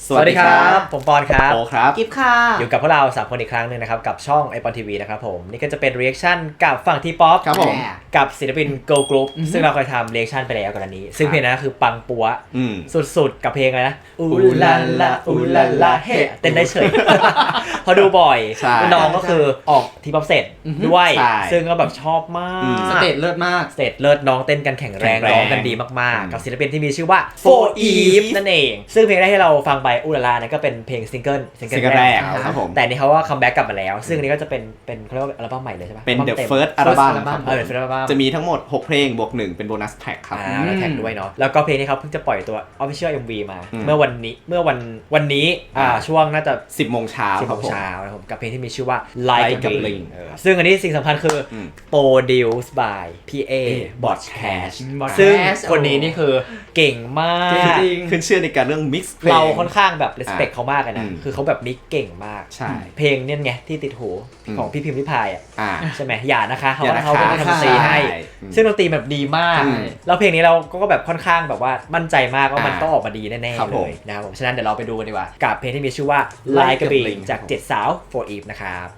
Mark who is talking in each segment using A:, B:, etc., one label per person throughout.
A: สวัสดีครับผมปอนครับ
B: โอครับ
C: กิฟค่ะ
A: อยู่กับพวกเรา3คนอีกครั้งนึงนะครับกับช่อง iPon TV นะครับผมนี่ก็จะเป็น reaction กับฝั่งทีป๊อป
B: ครับผม
A: กับศิลปิน Girl Group ซึ่งเราเคยทำ reaction ไปแล้วก่อนอันนี้ซึ่งเพลงนั้นคือปังปัวสุดๆกับเพลงอะไรนะอูลาลาอูลาลาเฮเต้นได้เฉย พอดูบ่อยน้องก็คือออกทีป๊อปเสร็จด้วยซึ่งก็แบบชอบมาก
C: สเตจเลิศมาก
A: สเตจเลิศน้องเต้นกันแข็งแรงร้องกันดีมากๆกับศิลปินที่มีชื่อว่า For Eve นั่นเองซึ่งเพลงแรกที่เราฟังไปอูลาลาเนี่ยก็เป็นเพลงซิงเกิล
B: แรกครับผม
A: แต่นี่เขาว่าคัมแบ็กกลับมาแล้วซึ่งอันนี้ก็จะเป็นเขาเรียกว่าอัลบั้มใหม่เลยใช่ปะ
B: เป็น The First อัลบั้ม
A: เป็น First อัลบั้ม
B: จะมีทั้งหมด6เพลงบวก1เป็นโบนัสแทร็กครับ
A: แล้วแท็กด้วยเนาะแล้วก็เพลงนี้เขาเพิ่งจะปล่อยตัว Official MV มาเมื่อวันนี้ช่วงน่าจะ
B: 10 โมงเช้าครับผม
A: นะครับกับเพลงที่มีชื่อว่า Like a Bling ซึ่งอันนี้สิ่งสำคัญคือ Produced by PA Botcash ซึ่งคนนี้นี่คือเก่งมาก
B: ขึ้นชื่อในการเรื่อง mix เพลง
A: เราค่อนข้างแบบ respect เขามากเลยนะคือเขาแบบมิกเก่งมาก
B: ใช่
A: เพลงเนี่ยไงที่ติดหูของพี่พิมพ์ริพายใช่ไหมอย่านะคะเขาเป็นคนทำดนตรีให้ซึ่งดนตรีแบบดีมากแล้วเพลงนี้เราก็แบบค่อนข้างแบบว่ามั่นใจมากว่ามันต้องออกมาดีแน่ๆเลยนะครับผมฉะนั้นเดี๋ยวเราไปดูกันดีกว่ากับเพลงที่มีชื่อว่า Like a Bling จาก7 สาว For Eve นะครับ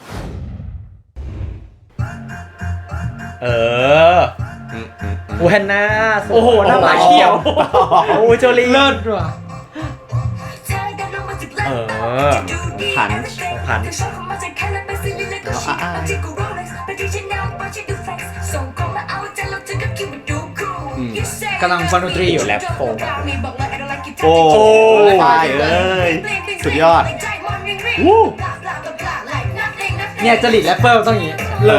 A: อูฮันน่าโอ้โหหน้าหมาเขียวโอ้โจลี
C: เลิศว่ะ
B: พัน
C: กำลังฟังดนตรีอยู่
A: แรปโฟง
B: โอ้ไปเอ้ยสุดยอด
C: เนี่ยจริตแรปเปอร์ต้องอย่างนี้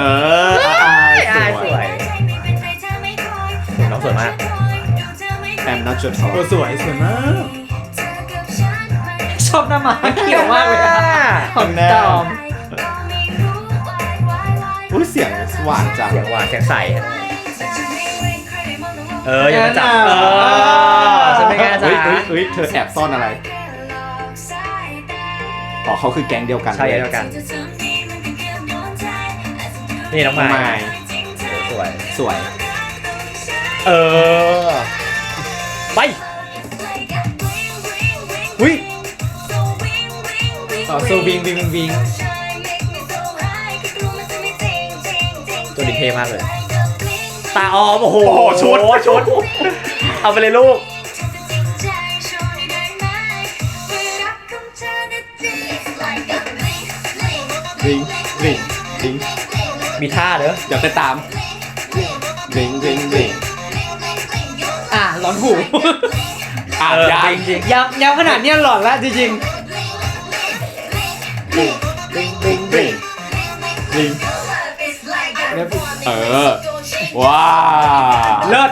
A: สวยน้องสวยมาก
B: แอมน่าจุด
C: สวยมากชอบหน้าหมาเขียวมากเลย
A: ของ
C: ตอม
B: เสียงหวานจัง
A: เสียงหวานเสียงใสอย่ามาจับฉันไม่กล้าจับ
B: เธอแอบซ่อนอะไรเขาคือแก๊งเดียวกัน
A: ใช่เดียวกันนี่น้องไม้สวยไปวิ
C: โซวิง
A: ตัวดีเทมากเลยตาออมโอ้โหชุดเอาไปเลยลูก
B: ริง
A: มีท่าเด้อ
B: เดี๋ยวไปตามริง
C: หลอนหู
A: จริง
C: ยาวขนาดนี้หลอนแล้วจริง
B: ว้า
C: เลิศ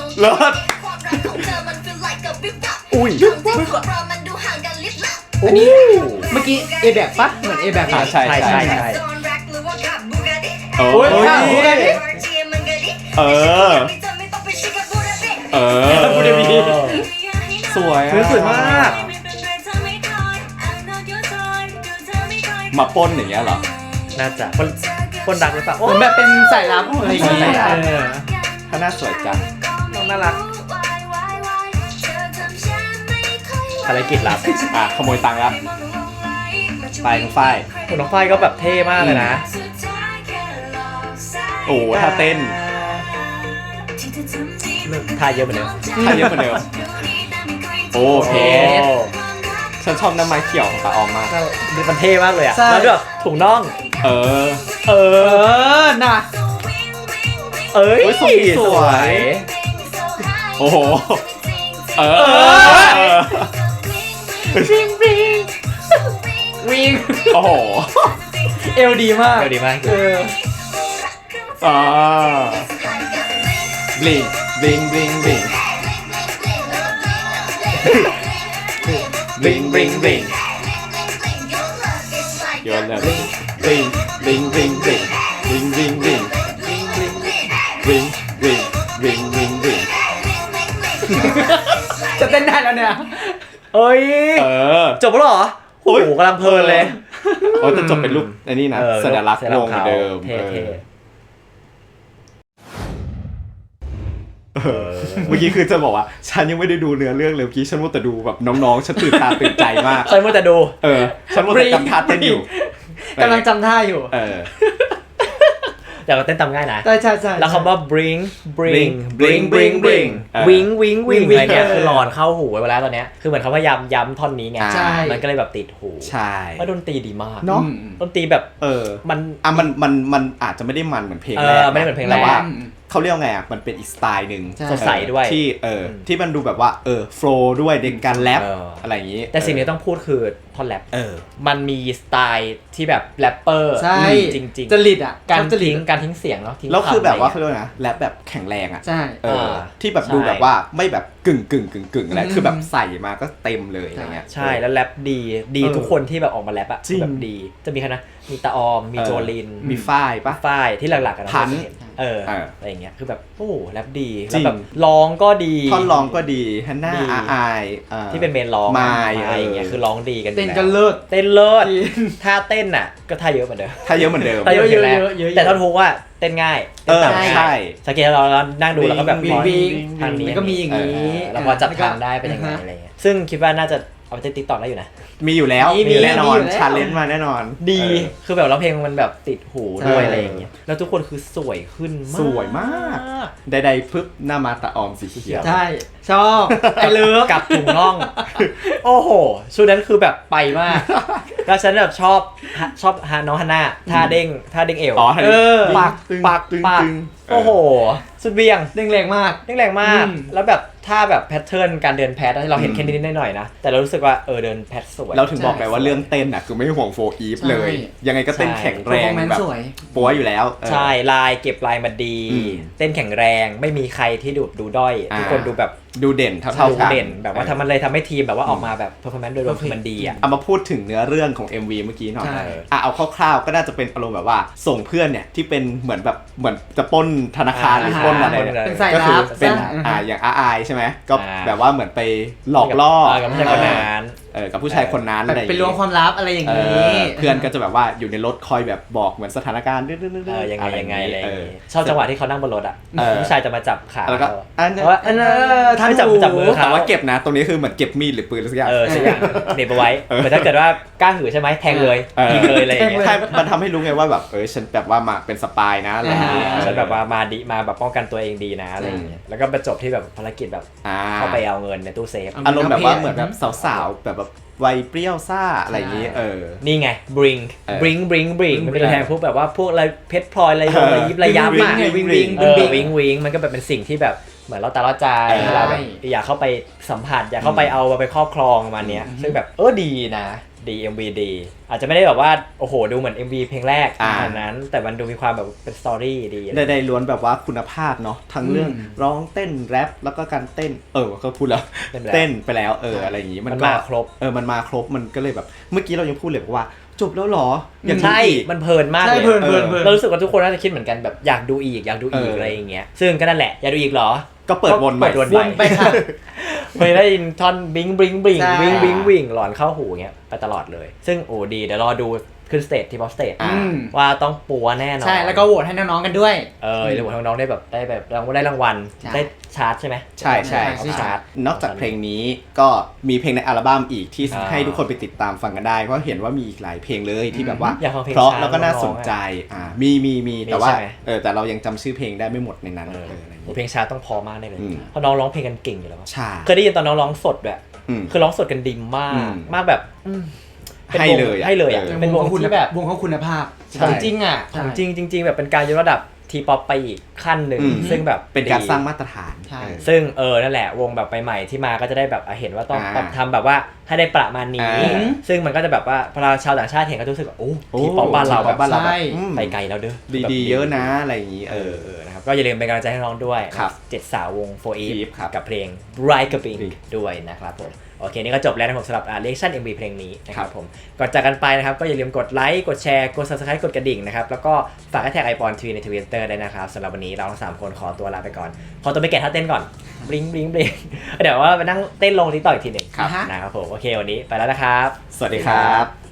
C: อันนี้เมื่อกี้เอแบกปะเหมือนเอแบก
B: ใช่
A: บูเดบี
B: สวย
A: มาก
B: มาป้นอย่างเงี้ยเหรอ
A: น่าจะป้นดักหรือเปล่า
C: เหมือนแบบเป็นสายลับอะไรอย่างเงี้ย
B: ถ้าน่าสวยจัง
A: น้องน่ารักภารกิจลับ
B: ขโมยตังค์ครับไปน้องฝ้าย
A: น้องฝ้ายก็แบบเท่มากเลยนะ
B: โอ้ท่าเต้น
A: ท่าเยอะเหมือนเดิม
B: โอเคฉันชอบน้ำไม้เขียวของปลาออมมาก
A: มันเท่มากเลยอ่ะแล้วแบบถุงน่อง
C: น่ะ
A: สวย
B: โอ้โห
C: วิ่ง
B: โอ้โห
C: เอวดีมาก
B: บลิงโยนเลยบลิง
C: จะเต้นได้แล้วเนี่ย
A: จบแล้วเหรอโอ้โหกำลังเพลินเลย
B: จะจบเป็นรูปอันนี้นะสัญลักษณ์วงเดิมเมื่อกี้คือจะบอกว่าฉันยังไม่ได้ดูเนื้อเรื่องเลยเมื่อกี้ฉันมัวแต่ดูแบบน้องๆฉันตื่นตาตื่นใจมาก
A: ฉันมัวแต่ดู
B: ฉันมัวแต่จำท่าเต้นอยู่
C: กำลังจำท่าอยู่
A: แต่ว่าเต้นตามง่ายนะ
C: ใช่
A: แล้วคำว่า bring
B: bring
A: wing wing อะไรเงี้ยคือหลอนเข้าหูไว้แล้วตอนเนี้ยคือเหมือนเขาพยายามย้ำท่อนนี้ไงมันก็เลยแบบติดหู
B: ใช่
A: ว่าดนตรีดีมาก
C: เนาะ
A: ดนตรีแบบ
B: มันอาจจะไม่ได้มันเหมือนเพลงแรก
A: ไม่ได้เหมือนเพลงแรก
B: แต่ว่าเขาเรียกไงมันเป็นอีกสไตล์นึง
A: สดใสด้วย
B: ที่มันดูแบบว่าโฟล์ด้วยในการแรปอะไรอย่างนี้
A: แต่สิ่งที่ต้องพูดคือท่อนแรปมันมีสไตล์ที่แบบแรปเปอร์จริงๆ
C: จริตอ่ะ
A: การทิ้งเสียงเนาะ
B: แล้วคือแบบว่าเขาเรียกนะแรปแบบแข็งแรงอ่ะ
C: ใช่
B: ที่แบบดูแบบว่าไม่แบบกึ่งอะไรคือแบบใส่มาก็เต็มเลยอะไรเงี้ย
A: ใช่แล้วแรปดีทุกคนที่แบบออกมาแรปอ่ะแบบดีจะมีใครนะมีตาออมมีโจลิน
B: มีฝ้ายปะ
A: ฝ้ายที่หลักๆกัน
B: พัน
A: อะไรอย่างเงี้ยคือแบบโอ้แรปดีแล้วแบบร้องก็ดี
B: ท่อนร้องก็ดีฮันน่าอาย
A: ที่เป็นเมนร้องอะไรอย่างเงี้ยคือร้องดีกัน
C: เต้นกันเลิศ
A: ท่าเต้นอ่ะก็ท่าเยอะเหมือนเดิม
B: ท่าเยอะเหมือนเดิม
A: แต่ท่อนฮุกว่าเต้นง่าย
B: ใช่
A: สังเกตเรานั่งดูแล้วก็แบบ
C: ทางนี้ก็มีอย่างนี้
A: แล้วพอจับทางได้เป็นยังไงอะไรเงี้ยซึ่งคิดว่าน่าจะเอาไปเต้นติ๊กต็อกได้อยู่นะ
B: มีอยู่แล้วมีแน่นอนชาเลนจ์มาแน่นอน
A: ดีคือแบบร้องเพลงมันแบบติดหูด้วยอะไรอย่างเงี้ยแล้วทุกคนคือสวยขึ้น
B: สวยมากใดๆปึ๊บหน้ามาตาออมสีเขียว
C: ใช่ชอบไอเลิฟ
A: กับถุงน่องโอ้โหชุดนั้นคือแบบไปมากแล้วฉันแบบชอบน้องฮันน่าท่าเด้งเอวปักโอ้โหสุดเบี่ยง
C: เด้งแรงมาก
A: แล้วแบบท่าแบบแพทเทิร์นการเดินแพทที่เราเห็นแค่นิดหน่อยนะแต่เรารู้สึกว่าเดินแพทสวย
B: เราถึงบอกไปว่าเรื่องเต้นอ่ะคือไม่ห่วงโฟอีฟเลยยังไงก็เต้นแข็งแรงแบบปัวอยู่แล้ว
A: ใช่ลายเก็บลายมาดีเต้นแข็งแรงไม่มีใครที่ดูด้อยทุกคนดูแบบ
B: ดูเด่นเท่ากัน
A: เด่นแบบว่าทำให้ทีมแบบว่าออกมาแบบเพอร์ฟอร์แมนซ์โดยรวมคือมันดีอ่ะ
B: เอามาพูดถึงเนื้อเรื่องของ MV เมื่อกี้หน่อยเอาคร่าวๆก็น่าจะเป็นอารมณ์แบบว่าส่งเพื่อนเนี่ยที่เป็นเหมือนจะปล้นธนาคารหรือปล้นอะไรเนี่ยก็คือเป็นอย่างอาใช่ไหมก็แบบว่าเหมือนไปหลอกล่อ
A: กับผู้ชายคนนั้น
B: กับผู้ชายคนนั้นอะไร
C: ไปล้วงความลับอะไรอย่างนี้
B: เพื่อนก็จะแบบว่าอยู่ในรถคอยแบบบอกเหมือนสถานการณ์
A: ยังไงอะไรชอบจังหวะที่เขานั่งบนรถอ่ะผู้ชายจะมาจับขา
B: แล้วก็
A: ถ้าไม่จับมือ
B: แต่ว่าเก็บนะตรงนี้คือเหมือนเก็บมีดหรือปืนอะไรสักอย่าง
A: ใช่อย่างเด็บเอาไว้เหมือนถ้าเกิดว่ากล้าหือใช่ไหมแทงเลยยิงเลยอะไรอย่างเงี้ย
B: มันทำให้รู้ไงว่าแบบฉันแบบว่ามาเป็นสปายนะอะไรอย่างเงี้ย
A: ฉันแบบว่ามาแบบป้องกันตัวเองดีนะอะไรอย่างเงี้ยแล้วก็ไปจบที่แบบภารกิจแบบเข้าไปเอาเงินในตู้เซฟ
B: อารมณ์แบบว่าเหมือนแบบสาวๆแบบวัยเปรี้ยวซ่าอะไรอย่างงี้
A: นี่ไง bring มันเป็นแทนพวกแบบว่าพวกอะไรเพชรพลอยอะไรระยับมากวิงมันก็แบบเป็นสิ่งที่แบบเหมือนเราตาล่อใจเราแบบอยากเข้าไปสัมผัสอยากเข้าไปเอาไปครอบครองมาเนี้ยซึ่งแบบดีนะดี MV ดีอาจจะไม่ได้แบบว่าโอ้โหดูเหมือน MV เพลงแรกขนาดนั้นแต่มันดูมีความแบบเป็นสตอรี่ดี
B: ได้ล้วนแบบว่าคุณภาพเนาะทั้งเรื่องร้องเต้นแรปแล้วก็การเต้นก็พูดแล้วเต้นไปแล้วอะไรอย่างงี้
A: มันมาครบ
B: มันมาครบมันก็เลยแบบเมื่อกี้เรายังพูดเลยว่าจบแล้วหรอ
A: อย่างใช่มันเพลินมากเลยเรารู้สึกว่าทุกคนน่าจะคิดเหมือนกันแบบอยากดูอีกอะไรอย่างเงี้ยซึ่งก็นั่นแหละอยากดูอีกหรอ
B: ก็เปิดวน
C: ไปค่ะ
A: เคยได้ยินท่อนบิงหลอนเข้าหูเงี้ยไปตลอดเลยซึ่งดีเดี๋ยวรอดูขึ้นสเตจที่บอสสเตจว่าต้องปัวแน่นอน
C: ใช่แล้วก็โหวตให้น้องๆกันด้วย
A: โหวตให้น้องๆได้แบบได้รางวัลได้ชาร์ตใช่ไหม
B: ใช่ชาร์ตนอกจากเพลงนี้ก็มีเพลงในอัลบั้มอีกที่ให้ทุกคนไปติดตามฟังกันได้เพราะเห็นว่ามีอีกหลายเพลงเลยที่แบบว่าเพราะแล้วก็น่าสนใจมีแต่ว่าแต่เรายังจำชื่อเพลงได้ไม่หมดในนั้น
A: เพลงชาร์ตต้องพอมากเลยเพราะน้องร้องเพลงกันเก่งอยู่แล้วเค
B: ย
A: ได้ยินตอนน้องร้องสดด้วยคือร้องสดกันดีมากแบบ
B: ให้
A: เลยอ่ะเป็นวงที่แบบ
C: วงเขาคุณภาพ
A: จริงอ่ะจริงแบบเป็นการยกระดับทีป๊อปไปอีกขั้นหนึ่งซึ่งแบบ
B: เป็นการสร้างมาตรฐาน
A: ซึ่งนั่นแหละวงแบบใหม่ๆที่มาก็จะได้แบบเห็นว่าต้องทำแบบว่าให้ได้ประมาณนี้ซึ่งมันก็จะแบบว่าพอเราชาวต่างชาติเห็นก็รู้สึกว่าทีป๊อปบ้านเราแบบไปไกลแล้วเด้อ
B: ดีเยอะนะอะไรอย่างนี้
A: นะครับก็อย่าลืมเป็นกำลังใจให้น้องด้วย7 สาววง 4EVE กับเพลง Bright Pink ด้วยนะครับผมโอเคนี่ก็จบแล้วนะครับสำหรับreaction MV เพลงนี้นะครับผมก่อนจากกันไปนะครับก็อย่าลืมกดไลค์กดแชร์กด Subscribe กดกระดิ่งนะครับแล้วก็ฝากแท็ก iPon TV ใน Twitter ได้นะครับสำหรับวันนี้เราทั้ง3คนขอตัวลาไปก่อนขอตัวไปแกะท่าเต้นก่อนบลิงเดี๋ยวว่าไปนั่งเต้นลงTikTokอีกทีนึงนะครับผมโอเควันนี้ไปแล้วนะครับ
B: สวัสดีครับ